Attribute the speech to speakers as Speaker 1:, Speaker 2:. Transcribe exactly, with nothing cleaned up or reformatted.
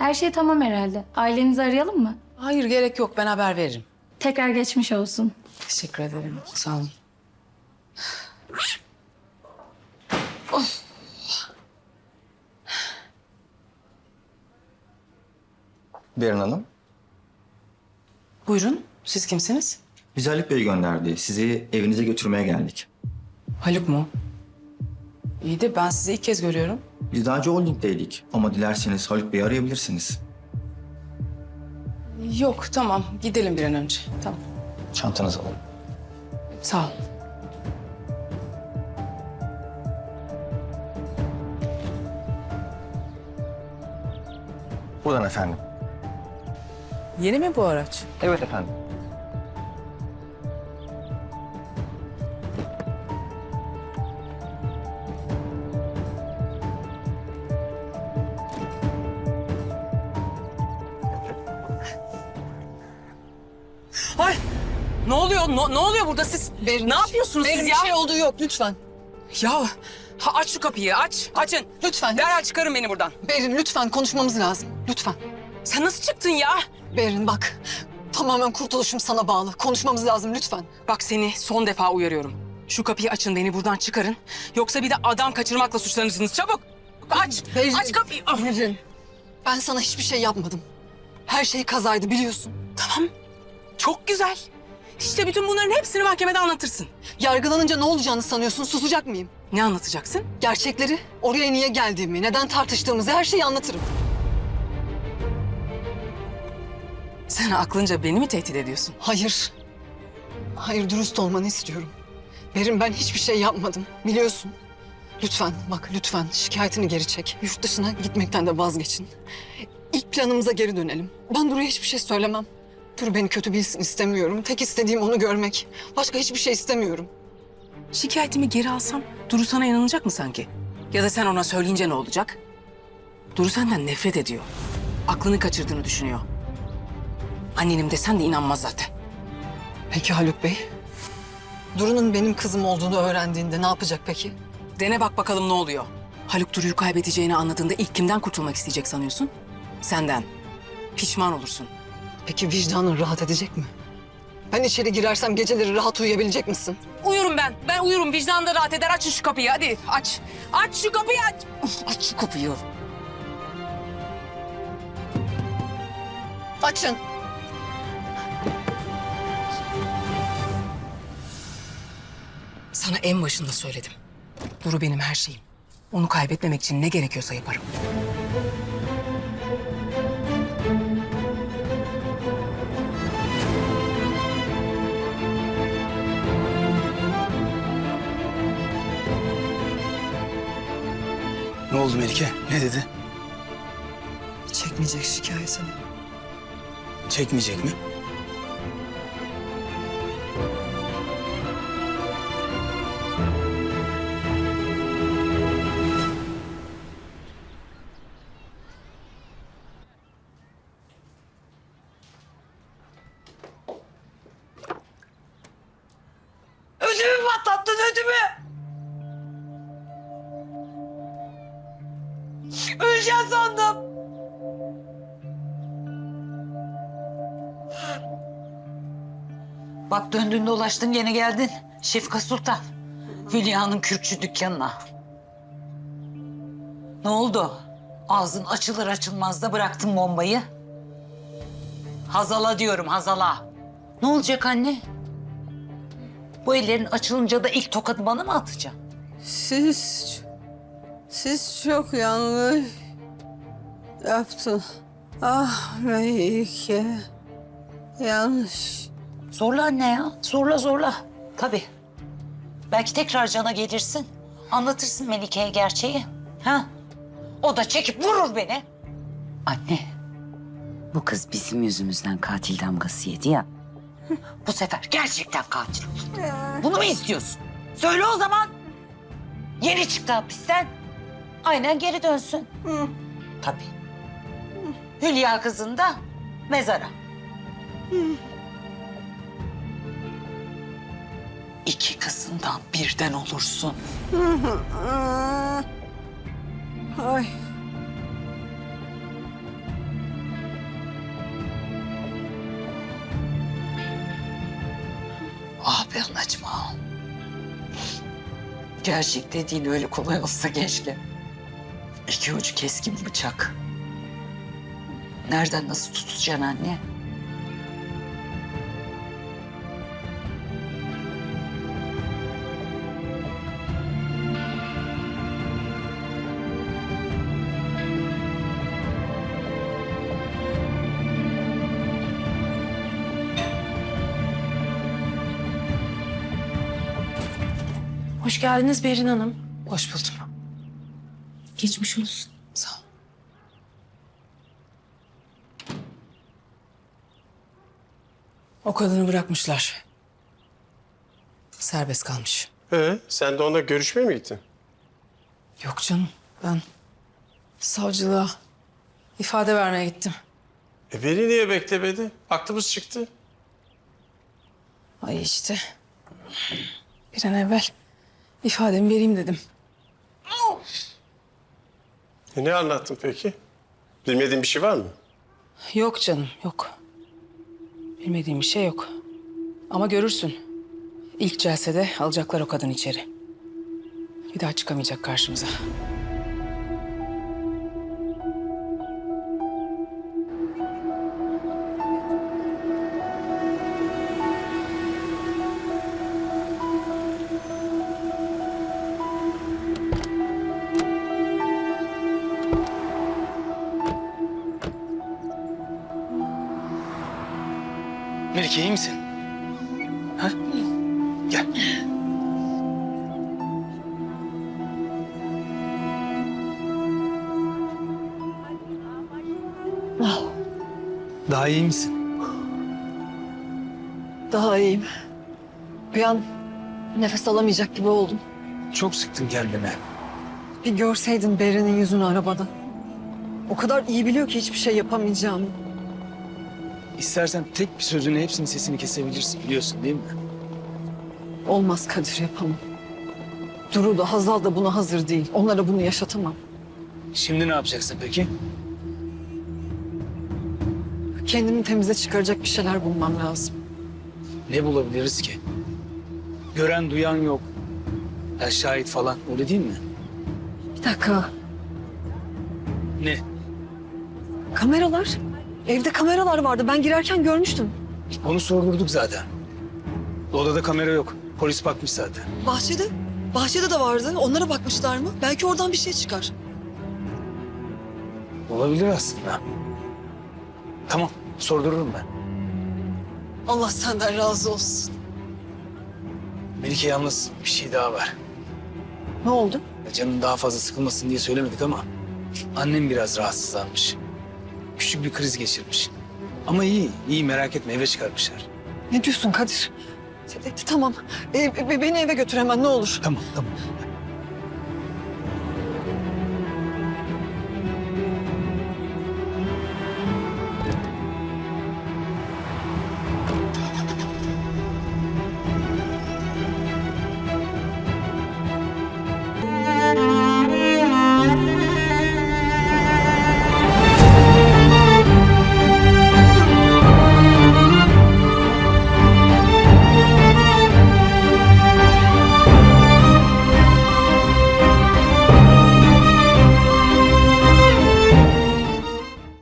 Speaker 1: Her şey tamam herhalde. Ailenizi arayalım mı?
Speaker 2: Hayır, gerek yok. Ben haber veririm.
Speaker 1: Tekrar geçmiş olsun.
Speaker 2: Teşekkür ederim. Sağ olun.
Speaker 3: Berin Hanım,
Speaker 2: Buyurun. Siz kimsiniz?
Speaker 3: bizi Haluk Bey gönderdi. Sizi evinize götürmeye geldik.
Speaker 2: Haluk mu? İyi de ben sizi ilk kez görüyorum.
Speaker 3: Biz daha önce holdingdeydik ama dilerseniz Haluk Bey'i arayabilirsiniz.
Speaker 2: Yok, tamam. Gidelim bir an önce. Tamam.
Speaker 3: Çantanızı alın.
Speaker 2: Sağ ol.
Speaker 3: Buradan efendim.
Speaker 2: Yeni mi bu araç?
Speaker 3: Evet efendim.
Speaker 2: Ay! Ne oluyor? Ne, ne oluyor burada siz?
Speaker 4: Berin,
Speaker 2: ne yapıyorsunuz
Speaker 4: Berin,
Speaker 2: siz
Speaker 4: bir
Speaker 2: ya?
Speaker 4: şey olduğu yok lütfen.
Speaker 2: Ya ha, aç şu kapıyı, aç. Açın.
Speaker 4: Lütfen.
Speaker 2: Derhal çıkarın beni buradan.
Speaker 4: Berin lütfen konuşmamız lazım. Lütfen.
Speaker 2: Sen nasıl çıktın ya?
Speaker 4: Berin bak. Tamamen kurtuluşum sana bağlı. Konuşmamız lazım lütfen.
Speaker 2: Bak seni son defa uyarıyorum. Şu kapıyı açın, beni buradan çıkarın. Yoksa bir de adam kaçırmakla suçlanırsınız. Çabuk. Aç.
Speaker 4: Berin,
Speaker 2: Aç kapıyı. Ah.
Speaker 4: Berin. Ben sana hiçbir şey yapmadım. Her şey kazaydı biliyorsun.
Speaker 2: Tamam. Çok güzel. İşte bütün bunların hepsini mahkemede anlatırsın.
Speaker 4: Yargılanınca ne olacağını sanıyorsun? Susacak mıyım?
Speaker 2: Ne anlatacaksın?
Speaker 4: Gerçekleri, oraya niye geldiğimi, neden tartıştığımızı her şeyi anlatırım.
Speaker 2: Sen aklınca beni mi tehdit ediyorsun?
Speaker 4: Hayır. Hayır, dürüst olmanı istiyorum. Berin, ben hiçbir şey yapmadım. Biliyorsun. Lütfen bak lütfen şikayetini geri çek. Yurt dışına gitmekten de vazgeçin. İlk planımıza geri dönelim. Ben Duru'ya hiçbir şey söylemem. Duru beni kötü bilsin istemiyorum. Tek istediğim onu görmek. Başka hiçbir şey istemiyorum.
Speaker 2: Şikayetimi geri alsam Duru sana inanacak mı sanki? Ya da sen ona söyleyince ne olacak? Duru senden nefret ediyor. Aklını kaçırdığını düşünüyor. Annenim desen de inanmaz zaten.
Speaker 4: Peki Haluk Bey? Duru'nun benim kızım olduğunu öğrendiğinde ne yapacak peki?
Speaker 2: Dene bak bakalım ne oluyor. Haluk Duru'yu kaybedeceğini anladığında ilk kimden kurtulmak isteyecek sanıyorsun? Senden. Pişman olursun.
Speaker 4: Peki vicdanın rahat edecek mi? Ben içeri girersem geceleri rahat uyuyabilecek misin?
Speaker 2: Uyurum ben. Ben uyurum. Vicdan da rahat eder. Açın şu kapıyı hadi. Aç. Aç şu kapıyı aç.
Speaker 4: Aç şu kapıyı. Açın.
Speaker 2: Sana en başında söyledim. Duru benim her şeyim. Onu kaybetmemek için ne gerekiyorsa yaparım.
Speaker 5: Ne oldu Melike? Ne dedi?
Speaker 4: Çekmeyecek şikayetini.
Speaker 5: Çekmeyecek mi?
Speaker 4: Ödümü patlattın ödümü. Öleceğim sandım.
Speaker 6: Bak döndün dolaştın gene geldin. Şefika Sultan. Hülya'nın kürkçü dükkanına. Ne oldu? Ağzın açılır açılmaz da bıraktın bombayı. Hazal'a diyorum Hazal'a. Ne olacak anne? Bu ellerin açılınca da ilk tokadı bana mı atacaksın?
Speaker 7: Siz, siz çok yanlış yaptın. Ah Melike, yanlış.
Speaker 6: Zorla anne ya. Zorla zorla. Tabii. Belki tekrar cana gelirsin. Anlatırsın Melike'ye gerçeği. Ha? O da çekip vurur beni. Anne. Bu kız bizim yüzümüzden katil damgası yedi ya. Bu sefer gerçekten katil olur. Bunu mu istiyorsun? Söyle o zaman. Yeni çıktı hapisten. Aynen geri dönsün. Tabii. Hülya kızın da mezara. İki kızından birden olursun.
Speaker 7: Ay.
Speaker 6: Ah be anacığım ah. Gerçek dediğin öyle kolay olsa keşke. İki ucu keskin bıçak. Nereden nasıl tutacaksın anne?
Speaker 8: Hoş geldiniz Berin Hanım.
Speaker 2: Hoş buldum.
Speaker 8: Geçmiş olsun.
Speaker 2: Sağ ol. O kadını bırakmışlar. Serbest kalmış.
Speaker 9: Ee, sen de ona görüşmeye mi gittin?
Speaker 2: Yok canım, ben savcılığa ifade vermeye gittim.
Speaker 9: E beni niye beklemedi? Aklımız çıktı.
Speaker 2: Ay işte, bir an evvel ifademi vereyim dedim.
Speaker 9: E ne anlattın peki? Bilmediğin bir şey var mı?
Speaker 2: Yok canım, yok. Bilmediğim bir şey yok. Ama görürsün. İlk celsede alacaklar o kadını içeri. Bir daha çıkamayacak karşımıza.
Speaker 5: Melike iyi misin? Ha? Gel. Daha iyi misin?
Speaker 4: Daha iyiyim. Bir an nefes alamayacak gibi oldum.
Speaker 5: Çok sıktın kendini.
Speaker 4: Bir görseydin Berin'in yüzünü arabada. O kadar iyi biliyor ki hiçbir şey yapamayacağımı.
Speaker 5: İstersen tek bir sözünü hepsinin sesini kesebilirsin biliyorsun değil mi?
Speaker 4: Olmaz Kadir, yapamam. Duru da Hazal da buna hazır değil. Onlara bunu yaşatamam.
Speaker 5: Şimdi ne yapacaksın peki?
Speaker 4: Kendimi temize çıkaracak bir şeyler bulmam lazım.
Speaker 5: Ne bulabiliriz ki? Gören duyan yok. Ya şahit falan öyle değil mi?
Speaker 4: Bir dakika.
Speaker 5: Ne?
Speaker 4: Kameralar. Evde kameralar vardı. Ben girerken görmüştüm.
Speaker 5: Onu sordurduk zaten. Odada kamera yok. Polis bakmış zaten.
Speaker 4: Bahçede. Bahçede de vardı. Onlara bakmışlar mı? Belki oradan bir şey çıkar.
Speaker 5: Olabilir aslında. Tamam, sordururum ben.
Speaker 4: Allah senden razı olsun.
Speaker 5: Melike yalnız bir şey daha var.
Speaker 4: Ne oldu?
Speaker 5: Canın daha fazla sıkılmasın diye söylemedik ama annem biraz rahatsızlanmış. Küçük bir kriz geçirmiş. Ama iyi, iyi merak etme eve çıkarmışlar.
Speaker 4: Ne diyorsun Kadir? Tamam. Ee, be- beni eve götür hemen ne olur.
Speaker 5: Tamam, tamam.